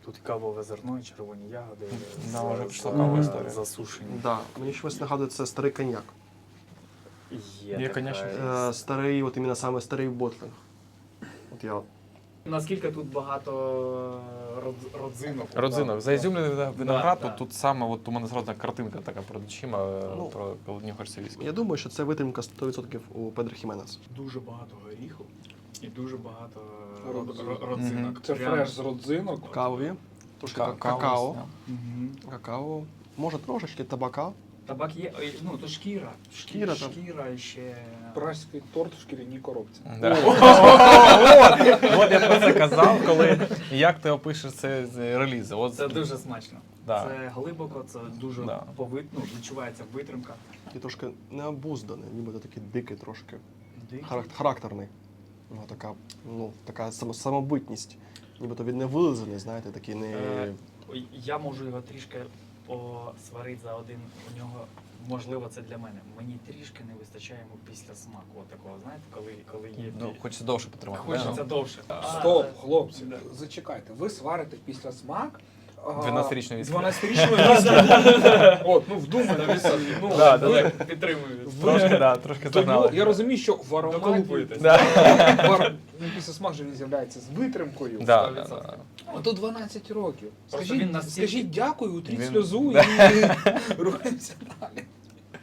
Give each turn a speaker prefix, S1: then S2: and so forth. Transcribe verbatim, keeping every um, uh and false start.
S1: Тут кавове зерно і червоні ягоди.
S2: Да,
S1: за-
S2: вже пішла
S1: за-
S2: кавова історія.
S1: Засушені.
S3: Да. Мені щось нагадує, це старий коньяк.
S1: Є,
S2: Є,
S1: така
S2: конечно.
S1: річ.
S3: Е, старий, от іменно саме старий ботлинг. От я
S1: Наскільки тут багато род- родзинок?
S2: Родзинок. Заізюмлений виноград,
S1: Да,
S2: тут,
S1: да.
S2: тут саме от у мене зразу картинка така перед очима е,
S3: Ну,
S2: про коли нюхаєш віскі.
S3: Я думаю, що це витримка сто відсотків у Педро Хіменес.
S1: Дуже багато горіху і дуже багато
S4: Родзинок.
S1: род- родзинок.
S4: Це
S1: Прям-
S4: фреш з родзинок.
S3: Кавові, трошки
S2: Ка-
S3: какао,
S2: каву,
S1: Мгм.
S3: какао, може трошечки табака.
S1: Табак є, ой, ну то шкіра.
S3: Шкіра там.
S1: Шкіра і ще.
S4: Пражський торт в шкіряній коробці.
S2: Да. От, от я про це казав, коли як ти опишеш це з релізи. От,
S1: Це дуже смачно.
S2: Да.
S1: Це глибоко, це дуже
S2: Да.
S1: повит, ну, відчувається витримка.
S3: І трошки необузданий, ніби такий дикий трошки.
S1: Дикий.
S3: Харак- Характерний. Ну, така, ну, така само- самобутність. Нібито він не вилизаний, знаєте, такий не.
S1: Е, Ой, Я можу його трішки посварити за один. У нього, можливо, це для мене. Мені трішки не вистачає йому після смаку. От такого, знаєте, коли, коли є.
S2: Ну, хочеться довше потримати.
S1: Хочеться
S2: да?
S1: довше.
S4: Стоп,
S1: А,
S4: хлопці,
S1: да.
S4: зачекайте. Ви сварите після смак а,
S2: дванадцятирічної віскі.
S4: дванадцятирічної віскі. От, ну вдумайтеся. Ну,
S2: Да, да,
S4: ви-
S2: да.
S1: Підтримую.
S2: Трошки, да, трошки
S4: Тому
S2: загнали.
S4: я розумію, що в ароматі
S1: Доколупуєтесь.
S2: Да.
S4: вар- ну, після смак же він з'являється з витримкою.
S2: Да,
S1: сто
S2: да,
S1: відсотків.
S2: да.
S4: Ото дванадцять років.
S1: Просто
S4: Скажіть,
S1: він настільки-
S4: скажіть дякую, утріть
S2: Він-
S4: сльозу
S2: Да.
S4: і рухаємося далі.